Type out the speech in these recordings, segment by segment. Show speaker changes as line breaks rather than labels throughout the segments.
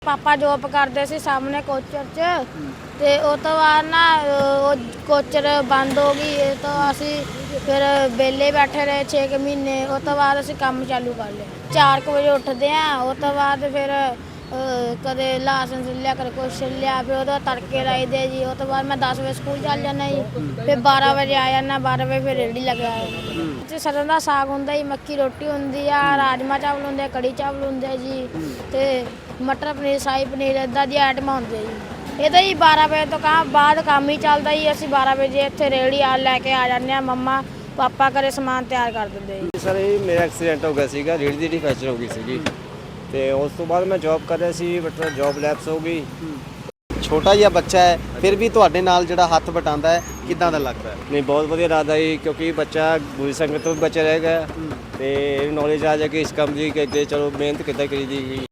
ਪਾਪਾ job ਕਰਦੇ ਸੀ ਸਾਹਮਣੇ ਕੋਚਰ 'ਚ ਤੇ ਉਹ ਤੋਂ ਬਾਅਦ ਨਾ ਉਹ ਕੋਚਰ ਬੰਦ ਹੋ ਗਈ ਤਾਂ ਅਸੀਂ ਫਿਰ ਵਿਹਲੇ ਬੈਠੇ ਰਹੇ 6 ਮਹੀਨੇ। ਉਹ ਤੋਂ ਬਾਅਦ ਅਸੀਂ ਕੰਮ ਚਾਲੂ ਕਰ ਲਿਆ। 4 ਵਜੇ ਉੱਠਦੇ ਆ। ਉਹ ਤੋਂ ਬਾਅਦ ਫਿਰ ਕਦੇ ਲਾਸਨ ਲਿਆ ਕਦੇ ਕੁਛ ਲਿਆ, ਫਿਰ ਉਹਦਾ ਤੜਕੇ ਲਾਈਦੇ ਜੀ। ਉਹ ਤੋਂ ਬਾਅਦ ਮੈਂ 10 ਵਜੇ ਸਕੂਲ ਚੱਲ ਜਾਂਦਾ ਜੀ, ਫਿਰ 12 ਵਜੇ ਆ ਜਾਂਦਾ। 12 ਵਜੇ ਫਿਰ ਰੇਹੜੀ ਲਗਾਇਆ। ਸਰੋਂ ਦਾ ਸਾਗ ਹੁੰਦਾ ਜੀ, ਮੱਕੀ ਰੋਟੀ ਹੁੰਦੀ ਆ, ਰਾਜਮਾ ਚਾਵਲ ਹੁੰਦੇ, ਕੜੀ ਚਾਵਲ ਹੁੰਦੇ ਜੀ, ਤੇ ਮਟਰ ਪਨੀਰ, ਸ਼ਾਹੀ ਪਨੀਰ, ਇੱਦਾਂ ਦੀਆਂ ਆਈਟਮਾਂ ਹੁੰਦੀਆਂ ਜੀ। ਇਹ ਤਾਂ ਜੀ 12 ਵਜੇ ਤੋਂ ਬਾਅਦ ਕੰਮ ਹੀ ਚੱਲਦਾ ਜੀ। ਅਸੀਂ 12 ਵਜੇ ਇੱਥੇ ਰੇਹੜੀ ਲੈ ਕੇ ਆ ਜਾਂਦੇ ਹਾਂ। ਮੰਮਾ ਪਾਪਾ ਘਰੇ ਸਮਾਨ ਤਿਆਰ ਕਰ ਦਿੰਦੇ ਜੀ।
ਸਰ ਇਹ ਮੇਰਾ ਐਕਸੀਡੈਂਟ ਹੋ ਗਿਆ ਸੀਗਾ, ਰੇਹੜੀ ਦੀ ਫ੍ਰੈਕਚਰ ਹੋ ਗਈ ਸੀਗੀ ਤੇ ਉਸ ਤੋਂ ਬਾਅਦ ਮੈਂ ਜੌਬ ਕਰ ਰਿਹਾ ਸੀ, ਬਟ ਜੌਬ ਲੈਪਸ ਹੋ ਗਈ।
ਛੋਟਾ ਜਿਹਾ ਬੱਚਾ ਹੈ, ਫਿਰ ਵੀ ਤੁਹਾਡੇ ਨਾਲ ਜਿਹੜਾ ਹੱਥ ਵਟਾਉਂਦਾ ਹੈ, ਕਿੱਦਾਂ ਦਾ ਲੱਗਦਾ ਹੈ?
ਨਹੀਂ, ਬਹੁਤ ਵਧੀਆ ਲੱਗਦਾ ਜੀ, ਕਿਉਂਕਿ ਬੱਚਾ ਬੁਰੀ ਸੰਗਤ ਤੋਂ ਵੀ ਬਚਿਆ ਰਹੇਗਾ ਤੇ ਨੌਲੇਜ ਆ ਜਾਏਗੀ ਇਸ ਕੰਮ ਦੀ ਕਿ ਅੱਗੇ ਚਲੋ ਮਿਹਨਤ ਕਿੱਦਾਂ ਕਰੀਦੀ ਗਈ।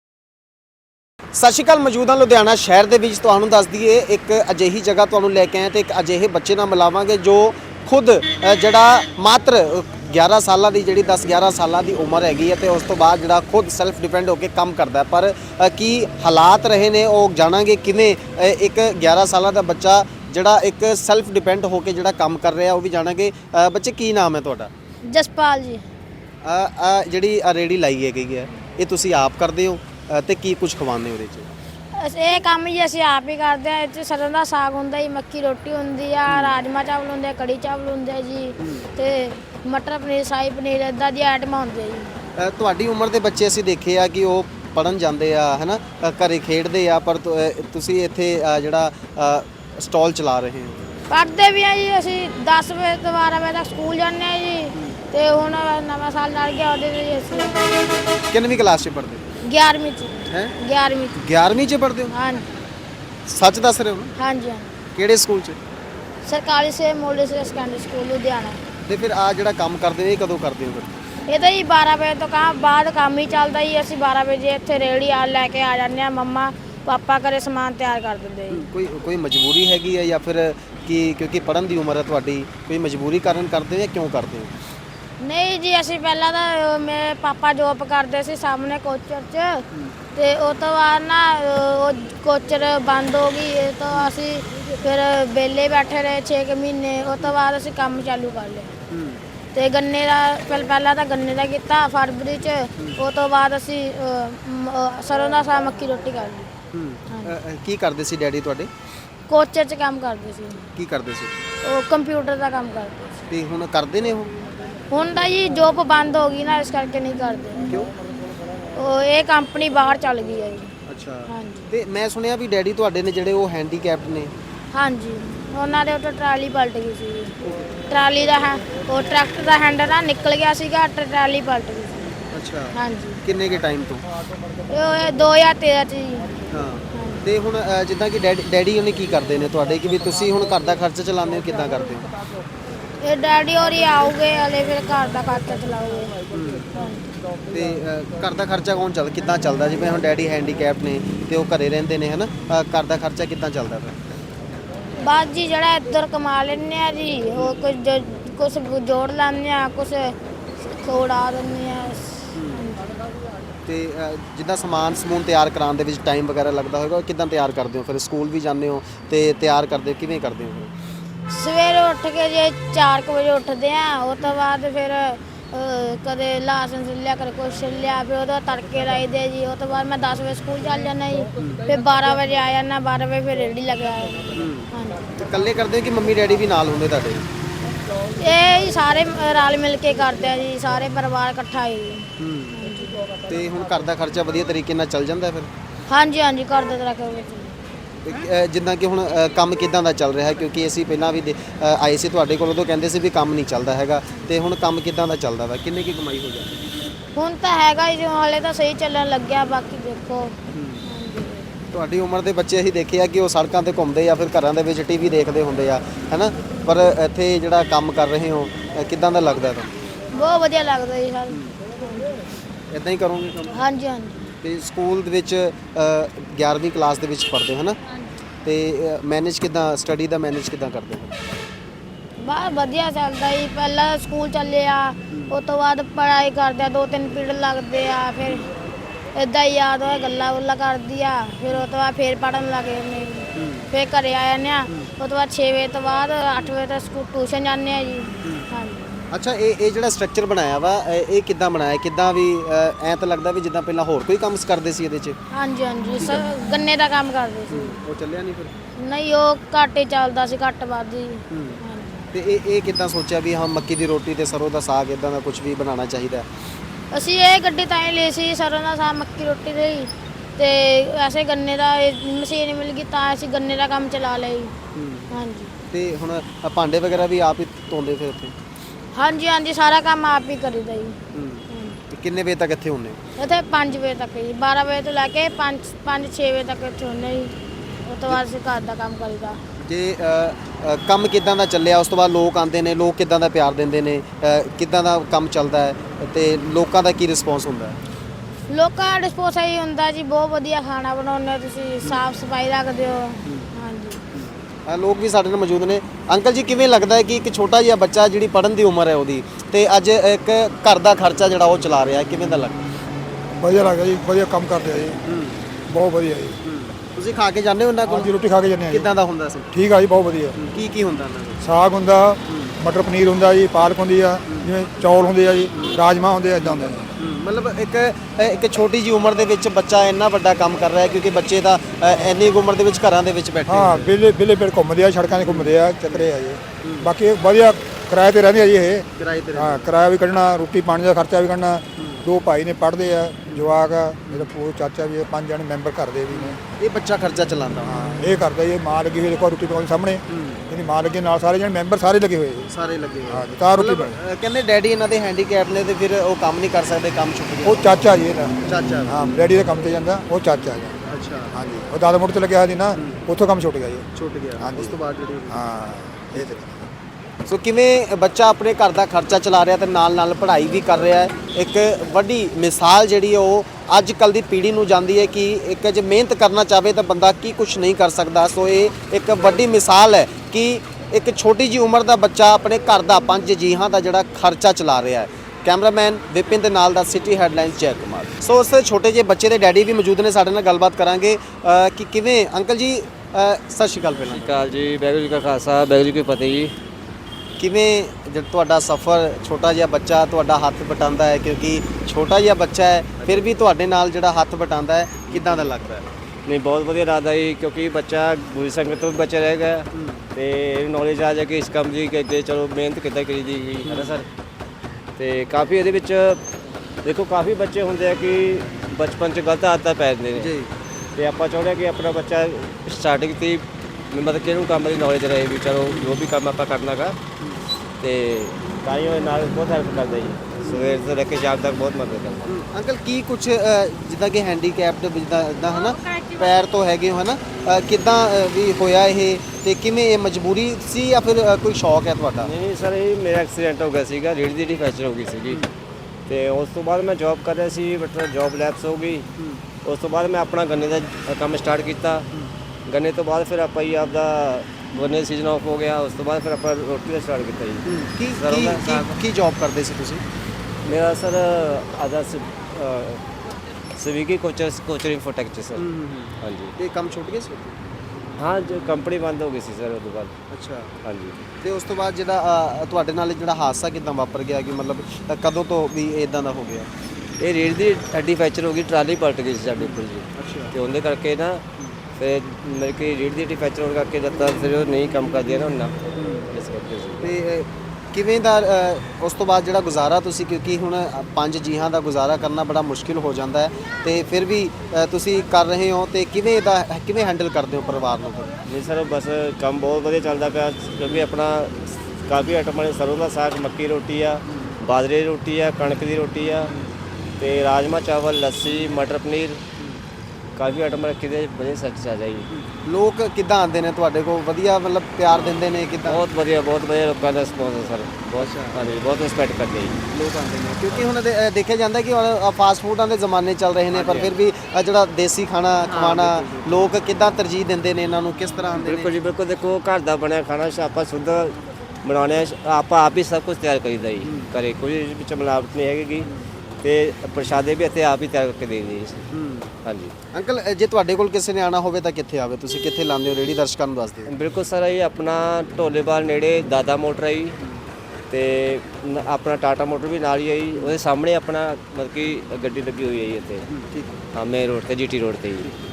ਸਤਿ ਸ਼੍ਰੀ ਅਕਾਲ। ਮੌਜੂਦ ਹਾਂ ਲੁਧਿਆਣਾ ਸ਼ਹਿਰ ਦੇ ਵਿੱਚ। ਤੁਹਾਨੂੰ ਦੱਸ ਦਈਏ ਇੱਕ ਅਜਿਹੀ ਜਗ੍ਹਾ ਤੁਹਾਨੂੰ ਲੈ ਕੇ ਆਏ ਤੇ ਇੱਕ ਅਜਿਹੇ ਬੱਚੇ ਨਾਲ ਮਿਲਾਵਾਂਗੇ ਜੋ ਖੁਦ ਜਿਹੜਾ ਮਾਤਰ 11 ਸਾਲਾਂ ਦੀ ਜਿਹੜੀ 10-11 ਸਾਲਾਂ ਦੀ ਉਮਰ ਹੈਗੀ ਹੈ ਤੇ ਉਸ ਤੋਂ ਬਾਅਦ ਜਿਹੜਾ ਖੁਦ ਸੈਲਫ ਡਿਪੈਂਡ ਹੋ ਕੇ ਕੰਮ ਕਰਦਾ ਹੈ। ਪਰ ਕੀ ਹਾਲਾਤ ਰਹੇ ਨੇ ਉਹ ਜਾਣਾਂਗੇ, ਕਿਵੇਂ ਇੱਕ 11 ਸਾਲਾਂ ਦਾ ਬੱਚਾ ਜਿਹੜਾ ਇੱਕ ਸੈਲਫ ਡਿਪੈਂਡ ਹੋ ਕੇ ਜਿਹੜਾ ਕੰਮ ਕਰ ਰਿਹਾ ਉਹ ਵੀ ਜਾਣਾਂਗੇ। ਬੱਚੇ ਕੀ ਨਾਮ ਹੈ ਤੁਹਾਡਾ?
ਜਸਪਾਲ ਜੀ।
ਜਿਹੜੀ ਰੇਹੜੀ ਲਾਈ ਗਈ ਹੈ ਇਹ ਤੁਸੀਂ ਆਪ ਕਰਦੇ ਹੋ ਤੇ ਕੀ ਕੁਝ ਖਵਾਉਂਦੇ ਹੋ ਉਹਦੇ 'ਚ?
ਇਹ ਕੰਮ ਜੀ ਅਸੀਂ ਆਪ ਹੀ ਕਰਦੇ ਹਾਂ। ਇਹ 'ਚ ਸਰੋਂ ਦਾ ਸਾਗ ਹੁੰਦਾ ਜੀ, ਮੱਕੀ ਰੋਟੀ ਹੁੰਦੀ ਆ, ਰਾਜਮਾ ਚਾਵਲ ਹੁੰਦੇ, ਕੜੀ ਚਾਵਲ ਹੁੰਦੇ ਜੀ, ਤੇ ਮਟਰ ਪਨੀਰ, ਸ਼ਾਹੀ ਪਨੀਰ, ਇੱਦਾਂ ਦੀਆਂ ਆਈਟਮਾਂ ਹੁੰਦੀਆਂ ਜੀ।
ਤੁਹਾਡੀ ਉਮਰ ਦੇ ਬੱਚੇ ਅਸੀਂ ਦੇਖੇ ਆ ਕਿ ਉਹ ਪੜਨ ਜਾਂਦੇ ਆ, ਹੈ ਨਾ, ਘਰੇ ਖੇਡਦੇ ਆ, ਪਰ ਤੁਸੀਂ ਇੱਥੇ ਜਿਹੜਾ ਸਟਾਲ ਚਲਾ ਰਹੇ ਹੋ।
ਪੜ੍ਹਦੇ ਵੀ ਆ ਜੀ। ਅਸੀਂ 10 ਵਜੇ ਤੋਂ 12 ਵਜੇ ਤੱਕ ਸਕੂਲ ਜਾਂਦੇ ਆ ਜੀ, ਤੇ ਹੁਣ ਨਵਾਂ ਸਾਲ ਲੜ ਗਿਆ ਉਹਦੇ ਲਈ ਅਸੀਂ
ਕਿੰਨਵੀਂ ਕਲਾਸ 'ਚ ਪੜ੍ਹਦੇ ਹੋ?
11ਵੀਂ 'ਚ।
ਹੈ
11ਵੀਂ 'ਚ।
11ਵੀਂ 'ਚ ਪੜ੍ਹਦੇ ਹੋ?
ਹਾਂਜੀ
ਸੱਚ ਦੱਸ ਰਹੇ ਹੋ ਨਾ?
ਹਾਂਜੀ ਹਾਂਜੀ।
ਕਿਹੜੇ ਸਕੂਲ 'ਚ?
ਸਰਕਾਰੀ ਸੇ ਮੋਲਡ ਸੈਕੰਡਰੀ ਸਕੂਲ ਲੁਧਿਆਣਾ।
ਤੇ ਫਿਰ ਆ ਜਿਹੜਾ ਕੰਮ ਕਰਦੇ ਹੋ ਇਹ ਕਦੋਂ ਕਰਦੇ ਹੋ ਫਿਰ?
ਇਹ ਤਾਂ ਜੀ 12 ਵਜੇ ਤੋਂ ਬਾਅਦ ਕੰਮ ਹੀ ਚੱਲਦਾ ਜੀ। ਅਸੀਂ 12 ਵਜੇ ਇੱਥੇ ਰੇਹੜੀ ਲੈ ਕੇ ਆ ਜਾਂਦੇ ਹਾਂ। ਮੰਮਾ ਪਾਪਾ ਘਰੇ ਸਮਾਨ ਤਿਆਰ ਕਰ ਦਿੰਦੇ ਜੀ।
ਕੋਈ ਮਜਬੂਰੀ ਹੈਗੀ ਹੈ ਜਾਂ ਫਿਰ ਕਿਉਂਕਿ ਪੜਨ ਦੀ ਉਮਰ ਹੈ ਤੁਹਾਡੀ, ਕੋਈ ਮਜਬੂਰੀ ਕਾਰਨ ਕਰਦੇ ਹੋ ਜਾਂ ਕਿਉਂ ਕਰਦੇ ਹੋ?
ਨਹੀਂ ਜੀ, ਅਸੀਂ ਪਹਿਲਾਂ ਤਾਂ ਮੇਰੇ ਪਾਪਾ ਜੋਬ ਕਰਦੇ ਸੀ ਸਾਹਮਣੇ ਕੋਚਰ 'ਚ, ਤੇ ਉਹ ਤੋਂ ਬਾਅਦ ਨਾ ਉਹ ਕੋਚਰ ਬੰਦ ਹੋ ਗਈ ਤਾਂ ਅਸੀਂ ਫਿਰ ਵਿਹਲੇ ਬੈਠੇ ਰਹੇ 6 ਮਹੀਨੇ। ਉਹ ਤੋਂ ਬਾਅਦ ਅਸੀਂ ਕੰਮ ਚਾਲੂ ਕਰ ਲਿਆ ਤੇ ਗੰਨੇ ਦਾ ਪਹਿਲਾਂ ਤਾਂ ਗੰਨੇ ਦਾ ਕੀਤਾ ਫਰਵਰੀ 'ਚ। ਉਹ ਤੋਂ ਬਾਅਦ ਅਸੀਂ ਸਰੋਂ ਦਾ ਸਾਗ, ਮੱਕੀ ਰੋਟੀ ਕਰ ਲਈ।
ਕੀ ਕਰਦੇ ਸੀ ਡੈਡੀ ਤੁਹਾਡੇ?
ਕੋਚਰ 'ਚ ਕੰਮ ਕਰਦੇ ਸੀ।
ਕੀ ਕਰਦੇ ਸੀ?
ਉਹ ਕੰਪਿਊਟਰ ਦਾ ਕੰਮ ਕਰਦੇ ਸੀ।
ਤੇ ਹੁਣ ਕਰਦੇ ਨੇ ਉਹ?
ਹੁਣ ਤਾਂ ਜੀ ਜੋਬ ਬੰਦ ਹੋ ਗਈ ਨਾ, ਇਸ ਕਰਕੇ ਨਹੀਂ ਕਰਦੇ।
ਕਿਉਂ?
ਉਹ ਇਹ ਕੰਪਨੀ ਬਾਹਰ ਚੱਲ ਗਈ ਹੈ ਜੀ।
ਅੱਛਾ।
ਹਾਂਜੀ।
ਤੇ ਮੈਂ ਸੁਣਿਆ ਵੀ ਡੈਡੀ ਤੁਹਾਡੇ ਨੇ ਜਿਹੜੇ ਉਹ ਹੈਂਡੀਕੈਪਡ ਨੇ।
ਹਾਂਜੀ, ਉਹਨਾਂ ਦੇ ਉੱਤੇ ਟਰਾਲੀ ਪਲਟ ਗਈ ਸੀ। ਟਰਾਲੀ ਦਾ ਉਹ ਟਰੈਕਟਰ ਦਾ ਹੈਂਡਲ ਨਾ ਨਿਕਲ ਗਿਆ ਸੀਗਾ, ਟਰਾਲੀ ਪਲਟ ਗਈ ਸੀ।
ਅੱਛਾ।
ਹਾਂਜੀ।
ਕਿੰਨੇ ਕੇ ਟਾਈਮ ਤੋਂ?
ਇਹ 2013 ਚ ਜੀ।
ਹਾਂ। ਤੇ ਹੁਣ ਜਿੱਦਾਂ ਕਿ ਡੈਡੀ ਉਹਨੇ ਕੀ ਕਰਦੇ ਨੇ ਤੁਹਾਡੇ, ਕਿ ਵੀ ਤੁਸੀਂ ਹੁਣ ਘਰ ਦਾ ਖਰਚਾ ਚਲਾਉਂਦੇ ਹੋ, ਕਿੱਦਾਂ ਕਰਦੇ ਹੋ?
ਇਹ ਡੈਡੀ ਹੋਰੀ ਆਉਗੇ ਹਲੇ, ਫਿਰ ਘਰ ਦਾ ਖਰਚਾ ਚਲਾਓਗੇ।
ਤੇ ਘਰ ਦਾ ਖਰਚਾ ਕਿੱਦਾਂ ਚੱਲਦਾ? ਜਿਵੇਂ ਹੁਣ ਡੈਡੀ ਹੈਂਡੀਕੈਪ ਨੇ ਤੇ ਉਹ ਘਰੇ ਰਹਿੰਦੇ ਨੇ, ਹਨਾ, ਘਰ ਦਾ ਖਰਚਾ ਕਿੱਦਾਂ ਚੱਲਦਾ ਫਿਰ?
ਬਸ ਜੀ ਜਿਹੜਾ ਇੱਧਰ ਕਮਾ ਲੈਂਦੇ ਆ ਜੀ, ਉਹ ਕੁਛ ਜੋੜ ਲੈਂਦੇ ਆ, ਕੁਛ ਉਡਾ ਦਿੰਦੇ ਆ।
ਤੇ ਜਿੱਦਾਂ ਸਮਾਨ ਸਮੂਨ ਤਿਆਰ ਕਰਾਉਣ ਦੇ ਵਿੱਚ ਟਾਈਮ ਵਗੈਰਾ ਲੱਗਦਾ ਹੋਵੇਗਾ, ਕਿੱਦਾਂ ਤਿਆਰ ਕਰਦੇ ਹੋ ਫਿਰ? ਸਕੂਲ ਵੀ ਜਾਂਦੇ ਹੋ ਤੇ ਤਿਆਰ ਕਰਦੇ ਕਿਵੇਂ ਕਰਦੇ ਹੋ ਫਿਰ?
ਸਵੇਰੇ ਉੱਠ ਕੇ ਜੇ 4 ਵਜੇ ਉੱਠਦੇ ਆ। ਉਹ ਤੋਂ ਬਾਅਦ ਫਿਰ ਕਦੇ ਲਾਸਨ ਲਿਆ ਕਦੇ ਕੁਛ ਲਿਆ, ਫਿਰ ਉਹਦਾ ਤੜਕੇ ਲਾਈਦੇ ਜੀ। ਉਹ ਤੋਂ ਬਾਅਦ ਮੈਂ 10 ਵਜੇ ਸਕੂਲ ਚੱਲ ਜਾਂਦਾ ਜੀ, ਫਿਰ 12 ਵਜੇ ਆ ਜਾਂਦਾ। 12 ਵਜੇ ਫਿਰ ਰੇਹੜੀ ਲਗਾਇਆ। ਹਾਂਜੀ।
ਇਕੱਲੇ ਕਰਦੇ ਹੋ ਕਿ ਮੰਮੀ ਡੈਡੀ ਵੀ ਨਾਲ ਹੁੰਦੇ ਤੁਹਾਡੇ?
ਇਹ ਸਾਰੇ ਰਲ ਮਿਲ ਕੇ ਕਰਦੇ ਆ ਜੀ, ਸਾਰੇ ਪਰਿਵਾਰ ਇਕੱਠਾ ਹੀ।
ਤੇ ਹੁਣ ਘਰ ਦਾ ਖਰਚਾ ਵਧੀਆ ਤਰੀਕੇ ਨਾਲ ਚੱਲ ਜਾਂਦਾ ਫਿਰ?
ਹਾਂਜੀ ਹਾਂਜੀ, ਘਰ ਦਾ ਤਰ੍ਹਾਂ ਕੇ।
ਜਿੱਦਾਂ ਕਿ ਹੁਣ ਕੰਮ ਕਿੱਦਾਂ ਦਾ ਚੱਲ ਰਿਹਾ ਹੈ? ਕਿਉਂਕਿ ਅਸੀਂ ਪਹਿਲਾਂ ਵੀ ਆਏ ਸੀ ਤੁਹਾਡੇ ਕੋਲ, ਉਦੋਂ ਕਹਿੰਦੇ ਸੀ ਵੀ ਕੰਮ ਨਹੀਂ ਚੱਲਦਾ ਹੈਗਾ, ਤੇ ਹੁਣ ਕੰਮ ਕਿੱਦਾਂ ਦਾ ਚੱਲਦਾ ਵਾ? ਕਿੰਨੇ ਕੀ ਕਮਾਈ ਹੋ ਜਾਂਦੀ?
ਹੁਣ ਤਾਂ ਹੈਗਾ ਜੀ, ਹਾਲੇ ਤਾਂ ਸਹੀ ਚੱਲਣ ਲੱਗਿਆ, ਬਾਕੀ ਦੇਖੋ।
ਤੁਹਾਡੀ ਉਮਰ ਦੇ ਬੱਚੇ ਅਸੀਂ ਦੇਖੇ ਆ ਕਿ ਉਹ ਸੜਕਾਂ ਤੇ ਘੁੰਮਦੇ ਆ, ਫਿਰ ਘਰਾਂ ਦੇ ਵਿੱਚ ਟੀਵੀ ਦੇਖਦੇ ਹੁੰਦੇ ਆ, ਹੈਨਾ, ਪਰ ਇੱਥੇ ਜਿਹੜਾ ਕੰਮ ਕਰ ਰਹੇ ਹੋ ਕਿੱਦਾਂ ਦਾ ਲੱਗਦਾ ਤੁਹਾਨੂੰ?
ਬਹੁਤ ਵਧੀਆ ਲੱਗਦਾ ਜੀ ਸਰ।
ਇੱਦਾਂ ਹੀ ਕਰੋਗੇ ਕੰਮ?
ਹਾਂਜੀ ਹਾਂਜੀ।
ਤੇ ਸਕੂਲ ਦੇ ਵਿੱਚ 11ਵੀਂ ਕਲਾਸ ਦੇ ਵਿੱਚ ਪੜ੍ਹਦੇ ਹੋ, ਹੈ ਨਾ, ਤੇ ਮੈਨੇਜ ਕਿੱਦਾਂ, ਸਟੱਡੀ ਦਾ ਮੈਨੇਜ ਕਿੱਦਾਂ ਕਰਦੇ ਹੋ?
ਬਸ ਵਧੀਆ ਚੱਲਦਾ ਜੀ। ਪਹਿਲਾਂ ਸਕੂਲ ਚੱਲੇ ਆ, ਉਸ ਤੋਂ ਬਾਅਦ ਪੜ੍ਹਾਈ ਕਰਦੇ ਆ, 2-3 ਪੀਰੀਅਡ ਲੱਗਦੇ ਆ, ਫਿਰ ਇਦਾਂ ਹੀ ਯਾਦ ਹੋਇਆ ਗੱਲਾਂ ਗੁੱਲਾਂ ਕਰਦੀ ਆ। ਫਿਰ ਉਹ ਤੋਂ ਬਾਅਦ ਫੇਰ ਪੜਨ ਲੱਗੇ ਨੇ। ਫਿਰ ਘਰੇ ਆ ਜਾਂਦੇ ਆ। ਉਹ ਤੋਂ ਬਾਅਦ 6 ਵਜੇ ਤੋਂ ਬਾਅਦ 8 ਵਜੇ ਤੱਕ ਸਕੂਲ ਟਿਊਸ਼ਨ ਜਾਂਦੇ ਆ ਜੀ। ਹਾਂਜੀ।
ਅੱਛਾ, ਇਹ ਜਿਹੜਾ ਸਟਰਕਚਰ ਬਣਾਇਆ ਵਾ ਇਹ ਕਿੱਦਾਂ ਬਣਾਇਆ, ਕਿੱਦਾਂ ਵੀ ਐਂ ਤਾਂ ਲੱਗਦਾ ਵੀ ਜਿੱਦਾਂ ਪਹਿਲਾਂ ਹੋਰ ਕੋਈ ਕੰਮ ਕਰਦੇ ਸੀ ਇਹਦੇ 'ਚ?
ਹਾਂਜੀ ਹਾਂਜੀ ਸਰ ਗੰਨੇ ਦਾ ਕੰਮ ਕਰਦੇ ਸੀ।
ਉਹ ਚੱਲਿਆ ਨਹੀਂ ਫਿਰ?
ਨਹੀਂ ਉਹ ਘੱਟ ਹੀ ਚੱਲਦਾ ਸੀ, ਘੱਟ ਵੱਧ ਹੀ। ਹਾਂਜੀ।
ਤੇ ਇਹ ਕਿੱਦਾਂ ਸੋਚਿਆ ਵੀ ਹਾਂ ਮੱਕੀ ਦੀ ਰੋਟੀ ਤੇ ਸਰੋਂ ਦਾ ਸਾਗ ਇਦਾਂ ਦਾ ਕੁਝ ਵੀ ਬਣਾਉਣਾ ਚਾਹੀਦਾ?
ਅਸੀਂ ਇਹ ਗੱਡੀ ਤਾਂ ਹੀ ਲਈ ਸੀ ਸਰੋਂ ਦਾ ਸਾਗ ਮੱਕੀ ਰੋਟੀ ਦੇ ਹੀ, ਤੇ ਐਸੇ ਗੰਨੇ ਦਾ ਮਸ਼ੀਨ ਮਿਲ ਗਈ ਤਾਂ ਅਸੀਂ ਗੰਨੇ ਦਾ ਕੰਮ ਚਲਾ ਲਿਆ ਜੀ। ਹਾਂਜੀ।
ਤੇ ਹੁਣ ਭਾਂਡੇ ਵਗੈਰਾ ਵੀ ਆਪ ਹੀ ਧੋਂਦੇ ਫਿਰ ਉੱਥੇ?
ਹਾਂਜੀ ਹਾਂਜੀ ਸਾਰਾ ਕੰਮ ਆਪ ਹੀ ਕਰੀਦਾ ਜੀ।
ਤੇ ਕਿੰਨੇ ਵਜੇ ਤੱਕ ਇੱਥੇ ਹੁੰਨੇ?
ਇੱਥੇ 5 ਵਜੇ ਤੱਕ ਜੀ, 12 ਵਜੇ ਤੋਂ ਲੈ ਕੇ 5-6 ਵਜੇ ਤੱਕ ਇੱਥੇ ਹੁੰਦੇ ਜੀ। ਉਸ ਤੋਂ ਬਾਅਦ ਅਸੀਂ ਘਰ ਦਾ ਕੰਮ ਕਰੀਦਾ।
ਜੇ ਕੰਮ ਕਿੱਦਾਂ ਦਾ ਚੱਲਿਆ ਉਸ ਤੋਂ ਬਾਅਦ ਲੋਕ ਆਉਂਦੇ ਨੇ, ਲੋਕ ਕਿੱਦਾਂ ਦਾ ਪਿਆਰ ਦਿੰਦੇ ਨੇ, ਕਿੱਦਾਂ ਦਾ ਕੰਮ ਚੱਲਦਾ ਹੈ ਤੇ ਲੋਕਾਂ ਦਾ ਕੀ ਰਿਸਪੌਂਸ ਹੁੰਦਾ ਹੈ?
ਲੋਕਾਂ ਦਾ ਰਿਸਪੌਂਸ ਇਹੀ ਹੁੰਦਾ ਜੀ, ਬਹੁਤ ਵਧੀਆ ਖਾਣਾ ਬਣਾਉਂਦੇ ਹੋ ਤੁਸੀਂ, ਸਾਫ਼ ਸਫਾਈ ਰੱਖਦੇ ਹੋ। ਹਾਂਜੀ।
ਲੋਕ ਵੀ ਸਾਡੇ ਨਾਲ ਮੌਜੂਦ ਨੇ। ਅੰਕਲ ਜੀ, ਕਿਵੇਂ ਲੱਗਦਾ ਹੈ ਕਿ ਇੱਕ ਛੋਟਾ ਜਿਹਾ ਬੱਚਾ ਜਿਹੜੀ ਪੜ੍ਹਨ ਦੀ ਉਮਰ ਹੈ ਉਹਦੀ, ਤੇ ਅੱਜ ਇੱਕ ਘਰ ਦਾ ਖਰਚਾ ਜਿਹੜਾ ਉਹ ਚਲਾ ਰਿਹਾ, ਕਿਵੇਂ ਦਾ ਲੱਗਦਾ?
ਵਧੀਆ ਲੱਗਦਾ ਜੀ, ਵਧੀਆ ਕੰਮ ਕਰਦੇ ਆ ਜੀ, ਬਹੁਤ ਵਧੀਆ ਜੀ।
ਤੁਸੀਂ ਖਾ ਕੇ ਜਾਂਦੇ ਹੋ ਉਹਨਾਂ ਕੋਲ?
ਜੀ ਰੋਟੀ ਖਾ ਕੇ ਜਾਂਦੇ ਆ ਜੀ।
ਕਿੱਦਾਂ ਦਾ ਹੁੰਦਾ ਸੀ?
ਠੀਕ ਆ ਜੀ, ਬਹੁਤ ਵਧੀਆ।
ਕੀ ਹੁੰਦਾ ਉਹਨਾਂ ਕੋਲ?
ਸਾਗ ਹੁੰਦਾ, ਮਟਰ ਪਨੀਰ ਹੁੰਦਾ ਜੀ, ਪਾਲਕ ਹੁੰਦੀ ਆ, ਜਿਵੇਂ ਚੌਲ ਹੁੰਦੇ ਆ ਜੀ, ਰਾਜਮਾ ਹੁੰਦੇ ਆ, ਇਦਾਂ ਹੁੰਦੇ ਆ।
ਮਤਲਬ ਇੱਕ ਛੋਟੀ ਜੀ ਉਮਰ ਦੇ ਵਿੱਚ ਬੱਚਾ ਇੰਨਾ ਵੱਡਾ ਕੰਮ ਕਰ ਰਿਹਾ ਹੈ, ਕਿਉਂਕਿ ਬੱਚੇ ਤਾਂ ਇੰਨੀ ਕੁ ਉਮਰ ਦੇ ਵਿੱਚ ਘਰਾਂ ਦੇ ਵਿੱਚ ਬੈਠੇ
ਹਾਂ, ਬਿੱਲੇ ਪੇੜ ਘੁੰਮਦੇ ਆ, ਸੜਕਾਂ 'ਤੇ ਘੁੰਮਦੇ ਆ, ਚੱਕਰੇ ਆ ਜੀ। ਬਾਕੀ ਵਧੀਆ ਕਿਰਾਏ ਤੇ ਰਹਿੰਦੇ ਆ ਜੀ ਇਹ।
ਕਿਰਾਏ ਤੇ
ਹਾਂ, ਕਿਰਾਇਆ ਵੀ ਕੱਢਣਾ, ਰੋਟੀ ਪਾਣੀ ਦਾ ਖਰਚਾ ਵੀ ਕੱਢਣਾ। 2 ਭਾਈ ਨੇ ਪੜ੍ਹਦੇ ਆ, ਜਵਾਕ ਆ, ਮੇਰਾ ਪੂਰਾ ਚਾਚਾ ਵੀ 5 ਜਣੇ ਮੈਂਬਰ ਘਰ ਦੇ ਵੀ ਨੇ।
ਇਹ ਬੱਚਾ ਖਰਚਾ ਚਲਾਉਂਦਾ?
ਹਾਂ, ਇਹ ਕਰਦਾ ਜੀ। ਮਾਂ ਲੱਗੀ ਹੋਈ, ਦੇਖੋ ਰੋਟੀ ਪਕਾਉਣ ਸਾਹਮਣੇ, ਇਹਦੀ ਮਾਂ ਲੱਗੀ ਨਾਲ, ਸਾਰੇ ਜਣੇ ਮੈਂਬਰ ਸਾਰੇ ਲੱਗੇ ਹੋਏ ਜੀ।
ਸਾਰੇ ਲੱਗੇ ਹੋਏ?
ਹਾਂ, ਤਾਂ ਰੋਟੀ ਬਣ।
ਕਹਿੰਦੇ ਡੈਡੀ ਇਹਨਾਂ ਦੇ ਹੈਂਡੀਕੈਪ ਨੇ ਤੇ ਫਿਰ ਉਹ ਕੰਮ ਨਹੀਂ ਕਰ ਸਕਦੇ, ਕੰਮ ਛੁੱਟ ਗਿਆ?
ਉਹ ਚਾਚਾ ਜੀ ਇਹਦਾ।
ਚਾਚਾ?
ਹਾਂ, ਡੈਡੀ ਦੇ ਕੰਮ ਤੇ ਜਾਂਦਾ, ਉਹ ਚਾਚਾ ਜੀ।
ਅੱਛਾ।
ਹਾਂਜੀ, ਉਹ ਦਾਦਾ ਮੋੜ ਤੇ ਲੱਗਿਆ ਹੋਇਆ ਸੀ ਨਾ, ਉੱਥੋਂ ਕੰਮ ਛੁੱਟ ਗਿਆ ਜੀ।
ਛੁੱਟ ਗਿਆ?
ਹਾਂਜੀ।
ਉਸ ਤੋਂ ਬਾਅਦ ਜਿਹੜੀ
ਹਾਂ, ਇਹ ਤੇ
ਸੋ ਕਿਵੇਂ ਬੱਚਾ ਆਪਣੇ ਘਰ ਦਾ ਖਰਚਾ ਚਲਾ ਰਿਹਾ ਤੇ ਨਾਲ ਪੜ੍ਹਾਈ ਵੀ ਕਰ ਰਿਹਾ ਹੈ। ਇੱਕ ਵੱਡੀ ਮਿਸਾਲ ਜਿਹੜੀ ਉਹ ਅੱਜ ਕੱਲ ਦੀ ਪੀੜ੍ਹੀ ਨੂੰ ਜਾਂਦੀ ਹੈ ਕਿ ਇੱਕ ਜੇ ਮਿਹਨਤ ਕਰਨਾ ਚਾਹਵੇ ਤਾਂ ਬੰਦਾ ਕੀ ਕੁਝ ਨਹੀਂ ਕਰ ਸਕਦਾ। ਸੋ ਇਹ ਇੱਕ ਵੱਡੀ ਮਿਸਾਲ ਹੈ ਕਿ ਇੱਕ ਛੋਟੀ ਜੀ ਉਮਰ ਦਾ ਬੱਚਾ ਆਪਣੇ ਘਰ ਦਾ 5 ਜੀਹਾਂ ਦਾ ਜਿਹੜਾ ਖਰਚਾ ਚਲਾ ਰਿਹਾ ਹੈ। ਕੈਮਰਾਮੈਨ ਵਿਪਿਨ ਦੇ ਨਾਲ ਦਾ ਸਿਟੀ ਹੈਡਲਾਈਨਸ ਜੈ ਕੁਮਾਰ। ਸੋ ਉਸ ਛੋਟੇ ਜਿਹੇ ਬੱਚੇ ਦੇ ਡੈਡੀ ਵੀ ਮੌਜੂਦ ਨੇ, ਸਾਡੇ ਨਾਲ ਗੱਲਬਾਤ ਕਰਾਂਗੇ ਕਿ ਕਿਵੇਂ। ਅੰਕਲ ਜੀ ਸਤਿ ਸ਼੍ਰੀ ਅਕਾਲ। ਪਹਿਲਾਂ
ਕਾਲ ਜੀ, ਵਾਹਿਗੁਰੂ ਜੀ ਕਾ ਖਾਲਸਾ, ਵਾਹਿਗੁਰੂ ਜੀ ਕੀ ਫਤਿਹ ਜੀ।
ਕਿਵੇਂ ਜਦ ਤੁਹਾਡਾ ਸਫ਼ਰ, ਛੋਟਾ ਜਿਹਾ ਬੱਚਾ ਤੁਹਾਡਾ ਹੱਥ ਵਟਾਉਂਦਾ ਹੈ, ਕਿਉਂਕਿ ਛੋਟਾ ਜਿਹਾ ਬੱਚਾ ਹੈ ਫਿਰ ਵੀ ਤੁਹਾਡੇ ਨਾਲ ਜਿਹੜਾ ਹੱਥ ਵਟਾਉਂਦਾ ਹੈ, ਕਿੱਦਾਂ ਦਾ ਲੱਗਦਾ ਹੈ?
ਨਹੀਂ, ਬਹੁਤ ਵਧੀਆ ਲੱਗਦਾ ਜੀ, ਕਿਉਂਕਿ ਬੱਚਾ ਗੁਰੂ ਸੰਗਤ ਤੋਂ ਵੀ ਬਚਿਆ ਰਹੇਗਾ ਤੇ ਨੌਲੇਜ ਆ ਜਾ ਕੇ ਇਸ ਕੰਮ ਦੀ ਕਿ ਅੱਗੇ ਚਲੋ ਮਿਹਨਤ ਕਿੱਦਾਂ ਕਰੀਦੀ ਗਈ ਹੈ ਨਾ ਸਰ। ਤੇ ਕਾਫੀ ਇਹਦੇ ਵਿੱਚ ਦੇਖੋ ਕਾਫੀ ਬੱਚੇ ਹੁੰਦੇ ਆ ਕਿ ਬਚਪਨ 'ਚ ਗਲਤ ਆਦਤਾਂ ਪੈ ਜਾਂਦੇ ਨੇ
ਜੀ।
ਤੇ ਆਪਾਂ ਚਾਹੁੰਦੇ ਹਾਂ ਕਿ ਆਪਣਾ ਬੱਚਾ ਸਟਾਰਟਿੰਗ ਤੇ ਮਤਲਬ ਕਿ ਇਹਨੂੰ ਕੰਮ ਦੀ ਨੌਲੇਜ ਰਹੇ ਵੀ ਚਲੋ ਜੋ ਵੀ ਕੰਮ ਆਪਾਂ ਕਰਨਾ ਗਾ ਤੇ ਤਾਂ ਹੀ ਉਹ ਨਾਲ ਬਹੁਤ ਹੈਲਪ ਕਰਦਾ ਜੀ, ਸਵੇਰ ਤੋਂ ਲੈ ਕੇ ਸ਼ਾਮ ਤੱਕ ਬਹੁਤ ਮਦਦ ਕਰਦਾ।
ਅੰਕਲ ਕੀ ਕੁਝ ਜਿੱਦਾਂ ਕਿ ਹੈਂਡੀਕੈਪਡ ਜਿੱਦਾਂ ਇਦਾਂ ਹੈ ਨਾ, ਪੈਰ ਤੋਂ ਹੈਗੇ ਹੋ ਹੈ ਨਾ, ਕਿੱਦਾਂ ਵੀ ਹੋਇਆ ਇਹ ਤੇ ਕਿਵੇਂ ਇਹ ਮਜਬੂਰੀ ਸੀ ਜਾਂ ਫਿਰ ਕੋਈ ਸ਼ੌਕ ਹੈ ਤੁਹਾਡਾ?
ਨਹੀਂ ਸਰ, ਇਹ ਮੇਰਾ ਐਕਸੀਡੈਂਟ ਹੋ ਗਿਆ ਸੀਗਾ, ਰੀੜ੍ਹ ਦੀ ਹੱਡੀ ਫ੍ਰੈਕਚਰ ਹੋ ਗਈ ਸੀਗੀ ਤੇ ਉਸ ਤੋਂ ਬਾਅਦ ਮੈਂ ਜੌਬ ਕਰ ਰਿਹਾ ਸੀ, ਬਟ ਜੌਬ ਲੈਪਸ ਹੋ ਗਈ। ਉਸ ਤੋਂ ਬਾਅਦ ਮੈਂ ਆਪਣਾ ਗੰਨੇ ਦਾ ਕੰਮ ਸਟਾਰਟ ਕੀਤਾ। ਗੰਨੇ ਤੋਂ ਬਾਅਦ ਫਿਰ ਆਪਾਂ ਹੀ ਆਪਦਾ ਗੰਨੇ ਸੀਜ਼ਨ ਆਫ ਹੋ ਗਿਆ, ਉਸ ਤੋਂ ਬਾਅਦ ਫਿਰ ਆਪਾਂ ਰੋਟੀ ਦਾ ਸਟਾਰਟ ਕੀਤਾ ਜੀ।
ਕੀ ਜੌਬ ਕਰਦੇ ਸੀ ਤੁਸੀਂ?
ਮੇਰਾ ਸਰ ਆਦਾ ਸਵੀਗੀ ਕੋਚਰ ਫੋਟੈਕ ਚ ਸਰ। ਹਾਂਜੀ।
ਤੇ ਕੰਮ ਛੁੱਟ ਗਿਆ ਸੀ?
ਹਾਂ, ਜੋ ਕੰਪਨੀ ਬੰਦ ਹੋ ਗਈ ਸੀ ਸਰ ਉਸ ਤੋਂ ਬਾਅਦ।
ਅੱਛਾ।
ਹਾਂਜੀ।
ਤੇ ਉਸ ਤੋਂ ਬਾਅਦ ਜਿਹੜਾ ਤੁਹਾਡੇ ਨਾਲ ਜਿਹੜਾ ਹਾਦਸਾ ਕਿੱਦਾਂ ਵਾਪਰ ਗਿਆ, ਕਿ ਮਤਲਬ ਕਦੋਂ ਤੋਂ ਵੀ ਇਦਾਂ ਦਾ ਹੋ ਗਿਆ?
ਇਹ ਰੀੜ੍ਹ ਦੀ ਹੱਡੀ ਫ੍ਰੈਕਚਰ ਹੋ ਗਈ, ਟਰਾਲੀ ਪਲਟ ਗਈ ਸੀ ਸਾਡੇ ਉੱਪਰ ਜੀ।
ਅੱਛਾ।
ਤੇ ਉਹਦੇ ਕਰਕੇ ਨਾ ਫਿਰ ਮੇਰੇ ਕਿ ਰੀੜ੍ਹ ਦੀ ਹੱਡੀ ਫ੍ਰੈਕਚਰ ਹੋਣ ਕਰਕੇ ਲੱਤਾਂ ਫਿਰ ਉਹ ਨਹੀਂ ਕੰਮ ਕਰਦੀਆਂ ਨਾ ਉਹਨਾਂ, ਇਸ ਕਰਕੇ ਸੀ।
ਤੇ ਕਿਵੇਂ ਦਾ ਉਸ ਤੋਂ ਬਾਅਦ ਜਿਹੜਾ ਗੁਜ਼ਾਰਾ ਤੁਸੀਂ, ਕਿਉਂਕਿ ਹੁਣ 5 ਜੀਹਾਂ ਦਾ ਗੁਜ਼ਾਰਾ ਕਰਨਾ ਬੜਾ ਮੁਸ਼ਕਿਲ ਹੋ ਜਾਂਦਾ ਹੈ ਤੇ ਫਿਰ ਵੀ ਤੁਸੀਂ ਕਰ ਰਹੇ ਹੋ, ਤੇ ਕਿਵੇਂ ਹੈਂਡਲ ਕਰਦੇ ਹੋ ਪਰਿਵਾਰ ਨੂੰ?
ਨਹੀਂ ਸਰ, ਬਸ ਕੰਮ ਬਹੁਤ ਵਧੀਆ ਚੱਲਦਾ ਪਿਆ, ਕਿਉਂਕਿ ਆਪਣਾ ਕਾਫੀ ਆਈਟਮਾਂ ਨੇ, ਸਰੋਂ ਦਾ ਸਾਗ, ਮੱਕੀ ਰੋਟੀ ਆ, ਬਾਜਰੇ ਦੀ ਰੋਟੀ ਆ, ਕਣਕ ਦੀ ਰੋਟੀ ਆ ਤੇ ਰਾਜਮਾ ਚਾਵਲ, ਲੱਸੀ, ਮਟਰ ਪਨੀਰ, ਕਾਫੀ ਆਈਟਮ ਰੱਖੀ ਦੇ, ਵਧੀਆ ਸੱਚ ਆ ਜਾਈ।
ਲੋਕ ਕਿੱਦਾਂ ਆਉਂਦੇ ਨੇ ਤੁਹਾਡੇ ਕੋਲ? ਵਧੀਆ ਮਤਲਬ ਪਿਆਰ ਦਿੰਦੇ ਨੇ ਕਿੱਦਾਂ?
ਬਹੁਤ ਵਧੀਆ ਲੋਕਾਂ ਦਾ ਰਿਸਪੌਂਸ ਹੈ ਸਰ, ਬਹੁਤ ਹਾਂਜੀ, ਬਹੁਤ ਰਿਸਪੈਕਟ ਕਰਦੇ ਜੀ
ਲੋਕ ਆਉਂਦੇ ਨੇ, ਕਿਉਂਕਿ ਹੁਣ ਦੇਖਿਆ ਜਾਂਦਾ ਕਿ ਹੁਣ ਫਾਸਟ ਫੂਡਾਂ ਦੇ ਜ਼ਮਾਨੇ ਚੱਲ ਰਹੇ ਨੇ, ਪਰ ਫਿਰ ਵੀ ਜਿਹੜਾ ਦੇਸੀ ਖਾਣਾ ਖਵਾਉਣਾ, ਲੋਕ ਕਿੱਦਾਂ ਤਰਜੀਹ ਦਿੰਦੇ ਨੇ ਇਹਨਾਂ ਨੂੰ, ਕਿਸ ਤਰ੍ਹਾਂ ਆਉਂਦੇ ਨੇ?
ਬਿਲਕੁਲ ਜੀ, ਬਿਲਕੁਲ। ਦੇਖੋ ਘਰ ਦਾ ਬਣਿਆ ਖਾਣਾ ਆਪਾਂ ਸ਼ੁੱਧ ਬਣਾਉਣੇ, ਆਪਾਂ ਆਪ ਹੀ ਸਭ ਕੁਝ ਤਿਆਰ ਕਰੀਦਾ ਜੀ ਘਰੇ, ਕੋਈ ਵਿੱਚ ਮਿਲਾਵਟ ਨਹੀਂ ਹੈਗੀ। ਤੇ ਪ੍ਰਸ਼ਾਦੇ ਵੀ ਇੱਥੇ ਆਪ ਹੀ ਤਿਆਰ ਕਰਕੇ ਦੇ ਦਈਏ ਜੀ। ਹਾਂਜੀ
ਅੰਕਲ ਜੇ ਤੁਹਾਡੇ ਕੋਲ ਕਿਸੇ ਨੇ ਆਣਾ ਹੋਵੇ ਤਾਂ ਕਿੱਥੇ ਆਵੇ, ਤੁਸੀਂ ਕਿੱਥੇ ਲਾਉਂਦੇ ਹੋ ਰੇੜੀ, ਦਰਸ਼ਕਾਂ ਨੂੰ ਦੱਸ ਦਿਓ।
ਬਿਲਕੁਲ ਸਰ, ਇਹ ਆਪਣਾ ਢੋਲੇਵਾਲ ਨੇੜੇ ਦਾਦਾ ਮੋਟਰ ਹੈ ਜੀ, ਤੇ ਆਪਣਾ ਟਾਟਾ ਮੋਟਰ ਵੀ ਨਾਲ ਹੀ ਹੈ ਜੀ, ਉਹਦੇ ਸਾਹਮਣੇ ਆਪਣਾ ਮਤਲਬ ਕਿ ਗੱਡੀ ਲੱਗੀ ਹੋਈ ਹੈ ਜੀ ਇੱਥੇ।
ਠੀਕ ਹੈ।
ਹਾਂ, ਮੇਨ ਰੋਡ ਤੇ, GT ਰੋਡ ਤੇ ਜੀ।